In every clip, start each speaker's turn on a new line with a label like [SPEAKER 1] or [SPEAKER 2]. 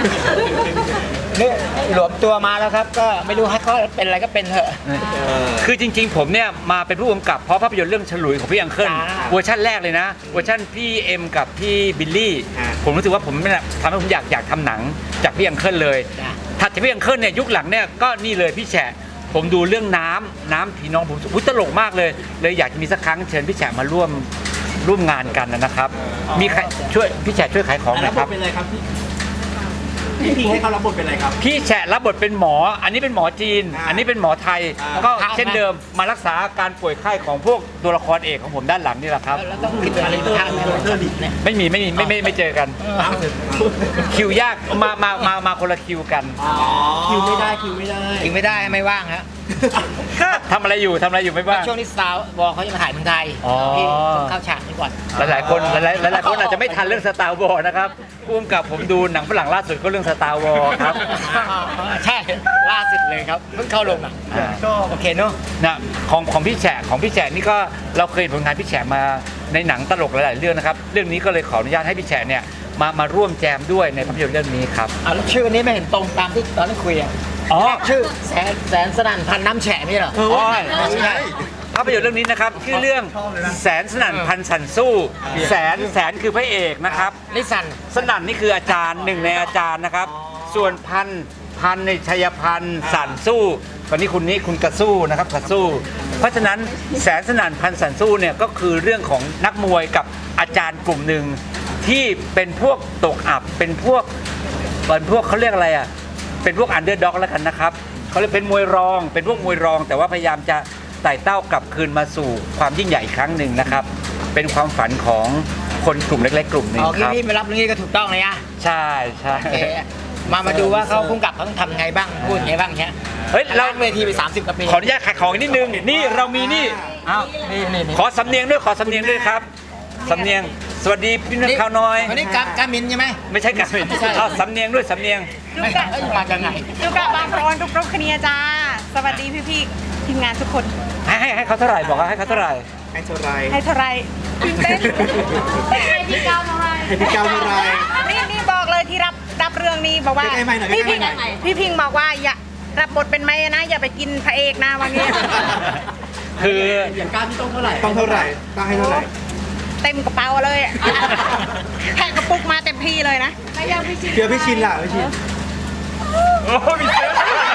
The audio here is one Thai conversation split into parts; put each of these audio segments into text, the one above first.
[SPEAKER 1] นี่หลวมตัวมาแล้วครับก็ไม่รู้ให้เขาเป็นอะไรก็เป็นเถอะ
[SPEAKER 2] คือจริงๆผมเนี่ยมาเป็นผู้กำกับเพราะภาพยนตร์เรื่องฉลุยของพี่อังเคิล
[SPEAKER 1] จ้า
[SPEAKER 2] เวอร์ชันแรกเลยนะเวอร์ชันพี่เอ็มกับพี่บิลลี่
[SPEAKER 3] อ่า
[SPEAKER 2] ผมรู้สึกว่าผมเนี่ยทำให้ผมอยากทำหนังจากพี่อังเคิลเลย
[SPEAKER 1] จ้ะ
[SPEAKER 2] ถัดจากพี่อังเคิลเนี่ยยุคหลังเนี่ยก็นี่เลยพี่แฉะผมดูเรื่องน้ำพี่น้องผมอุ๊ยตลกมากเลยอยากจะมีสักครั้งเชิญพี่แฉะมาร่วมงานกันนะครับ มีใครช่วยพี่แฉะช่วยขายของหน่
[SPEAKER 3] แล้
[SPEAKER 2] อ
[SPEAKER 3] วย บ
[SPEAKER 2] ครั
[SPEAKER 3] ท
[SPEAKER 2] บ
[SPEAKER 3] เป็นอะไรครับพี่พิงให้เขารับบทเป็นอะไรครับ
[SPEAKER 2] พี่แฉะรับบทเป็นหมอ อันนี้เป็นหมอจีน
[SPEAKER 3] อ่า
[SPEAKER 2] อันนี้เป็นหมอไทย
[SPEAKER 3] อ่า
[SPEAKER 2] ก็เช่นเดิมมารักษาอาการป่วยไข้ของพวกตัวละครเอกของผมด้านหลังนี่แหละครับ
[SPEAKER 1] แล้วต้องคิดอะไรทางเนี่ย
[SPEAKER 2] ไม่เจอกัน คิวยากมาคนละคิวกัน
[SPEAKER 3] คิวไม่ได้คิวไม่ได้
[SPEAKER 1] ยิงไม่ได้ไม่ว่างฮะ
[SPEAKER 2] ทำอะไรอยู่ไม่บ้าง
[SPEAKER 1] ช่วงนี้สาวบอกเขาจะมาถ่ายเมืองไทย
[SPEAKER 2] อ๋อ
[SPEAKER 1] พี่ต้องเข้าฉากนี้ก่อน
[SPEAKER 2] หลายๆคนอาจจะไม่ทันเรื่องสตาร์วอร์นะครับร่วมกับผมดูหนังฝรั่งล่าสุดก็เรื่องสตาร์วอร์ครับ
[SPEAKER 1] ใช่ล่าสุดเลยครับเพิ่งเข้าลงอ่ะ
[SPEAKER 2] อ่า
[SPEAKER 1] ก็โอเคเนาะ
[SPEAKER 2] นะของพี่แฉะนี่ก็เราเคยเห็นผลงานพี่แฉะมาในหนังตลกหลายๆเรื่องนะครับเรื่องนี้ก็เลยขออนุญาตให้พี่แฉะเนี่ยมาร่วมแจมด้วยในภาพยนตร์เรื่องนี้ครับ
[SPEAKER 1] แล้วชื่อนี้ไม่เห็นตรงตามที่ตอนนั้นคุยอ่ะ
[SPEAKER 2] อ๋อ
[SPEAKER 1] ชื่อแสนสนั่นพันน้ำแฉะไม่ใช่เหรอ
[SPEAKER 2] ไม่ใช่ภาพยนตร์เรื่องนี้นะครับชื่อเรื่องแสนสนั่นพันสันสู้แสนคือพระเอกนะครับ
[SPEAKER 1] นิสัน
[SPEAKER 2] สนั่นนี่คืออาจารย์หนึ่งในอาจารย์นะครับ ส่วนพันในชัยพันธ์สันสู้ตอนนี้คุณกระสู้นะครับกระสู้ เพราะฉะนั้นแสนสนั่นพันสันสู้เนี่ยก็คือเรื่องของนักมวยกับอาจารย์กลุ่มหนึ่งที่เป็นพวกตกอับเป็นพวกเขาเรียกอะไรอ่ะเป็นพวกอันเดอร์ด็อกแล้วกันนะครับเขาเรียกเป็นมวยรอง เป็นพวกมวยรอง แต่ว่าพยายามจะไต่เต้ากลับคืนมาสู่ความยิ่งใหญ่อีกครั้งหนึ่งนะครับ เป็นความฝันของคนกลุ่มเล็กๆกลุ่มหนึ่ง
[SPEAKER 1] อ๋อ
[SPEAKER 2] ครับ
[SPEAKER 1] พี่ไม่รับเรื่องนี้ก็ถูกต้องเลยอ่ะ
[SPEAKER 2] ใช่ใช่
[SPEAKER 1] โอเคมาดูว่าเขาพุ่งกลับเขาต้องทำไงบ้างพูดไงบ้างเนี้ย
[SPEAKER 2] เฮ้ยเรา
[SPEAKER 1] ล้างเวทีไป30กว่าปี
[SPEAKER 2] ขออนุญาตขายของอีกนิดนึงนี่เรามีนี่อ้าว
[SPEAKER 1] นี่
[SPEAKER 2] ขอสำเนียงด้วยครับสำเนียงสวัสดีพี่น้องข่าวน้อย
[SPEAKER 1] วันนี้กามินใช่ไหม
[SPEAKER 2] ไม่ใช่กันเอาสำเนียงด้วยสำเนียง
[SPEAKER 1] ไม่ใช่มาจากไหน
[SPEAKER 4] ดูกับบางโรนทุกรบคเนียจ้า สวัสดีพี่ๆทีมงานทุกคน
[SPEAKER 2] ให้เขาเท่าไหร่บอกว่าให้เขาเท่าไหร่
[SPEAKER 3] ให้เท่าไร
[SPEAKER 4] ให้เท่าไรตื่นเต้นให้พี่ก้าวเท่าไร
[SPEAKER 3] ให้พี่ก้าวเท่าไร
[SPEAKER 4] นี่บอกเลยที่รับเรื่องนี้บอกว่า
[SPEAKER 3] ใกล้ๆไมค์หน่อย
[SPEAKER 4] พี่
[SPEAKER 3] ใกล้
[SPEAKER 4] พิง
[SPEAKER 3] ๆไมค์หน่อย
[SPEAKER 4] พี่พิงบอกว่าอย่ารับบทเป็นไม้นะ อย่าไปกินพระเอกนะวันนี้
[SPEAKER 2] คือ
[SPEAKER 1] อย่างก้าวที่ต้องเท่าไหร่
[SPEAKER 3] ต้องเท่าไหร่ต้องให้เท่าไหร่
[SPEAKER 4] เต็มกระเป๋าเลยแพ็กกระปุกมาเต็มที่เลยนะไม่ยังพี่ชิน
[SPEAKER 3] เดี๋ยวพี่ชินล่ะพี่ชิน
[SPEAKER 2] โอ้มีเซฟ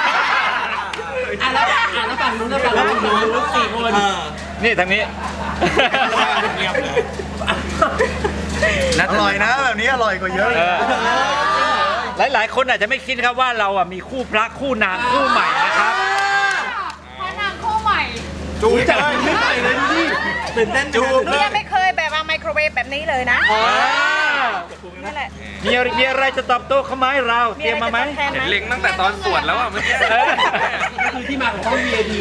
[SPEAKER 1] แล้วฝั่งนู้นแล้วฝั่งนู้นลูก4 คน
[SPEAKER 2] นี่ทางนี้
[SPEAKER 5] อร่อยนะแบบนี้อร่อยกว่าเยอะเลย
[SPEAKER 2] หลายๆ คนอาจจะไม่คิดครับว่าเราอ่ะมีคู่พระคู่นางคู่ใหม่นะครับ
[SPEAKER 4] พระนางคู่ใหม่
[SPEAKER 5] จูบเลยไม่ใส่เลยดูดิ
[SPEAKER 3] ตื่นเต้นจูบ
[SPEAKER 4] หนูยังไม่เคยแบบว่าไมโครเวฟแบบนี้เลยนะนั่นแหละ
[SPEAKER 2] มีอะไรจะตอบโต้เขาไหมเราเตรียมมาไหม
[SPEAKER 4] แทนไหม
[SPEAKER 6] เล็งตั้งแต่ตอนสวดแล้วอ่ะเมื่อกี้
[SPEAKER 3] คือที่มาของช่อง VIP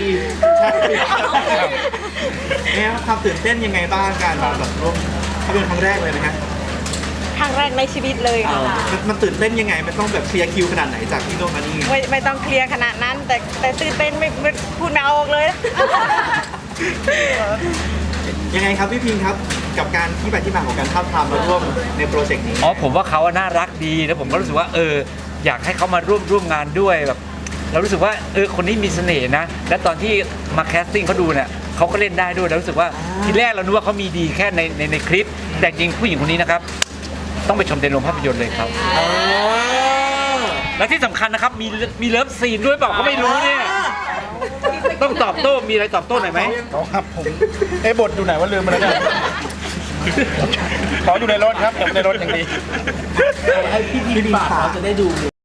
[SPEAKER 3] เนี่ยความตื่นเต้นยังไงบ้างการมาแบบร่วมภาพยนตร์ครั้งแรกเลยนะฮะ
[SPEAKER 4] ครั้งแรกในชีวิตเลยค่ะ
[SPEAKER 3] มันตื่นเต้นยังไงมันต้องแบบเคลียร์คิวขนาดไหนจากที่โน่นมานี่
[SPEAKER 4] ไม่ต้องเคลียร์ขนาดนั้น แต่ตื่นเต้นไม่พูดไม่ออกเลย
[SPEAKER 3] ยังไงครับพี่พิงครับกับการที่ไปที่มาของการท้าบทามมาร่วมในโปรเจกต์นี้
[SPEAKER 2] อ๋อผมว่าเขาน่ารักดีแล้วผมก็รู้สึกว่าอยากให้เขามาร่วมงานด้วยแบบเรารู้สึกว่าคนนี้มีเสน่ห์นะและตอนที่มาแคสติ้งเขาดูเนี่ยเขาก็เล่นได้ด้วยแล้วรู้สึกว่าทีแรกเรานึกว่าเขามีดีแค่ในคลิป แต่จริงผู้หญิงคนนี้นะครับต้องไปชมในโรงภาพยนตร์เลยครับและที่สำคัญนะครับมีเลิฟซีนด้วยเปล่าก็ไม่รู้เนี่ยต้องตอบโต้มีอะไรตอบโต้หน่อยไหม
[SPEAKER 5] ครับผมบทอยู่ไหนว่าลืมมาแล้วเนี่ยขออยู่ในรถครับผมในรถอย่างดี
[SPEAKER 3] ให้พี่พิงฝากเราจะได้ดู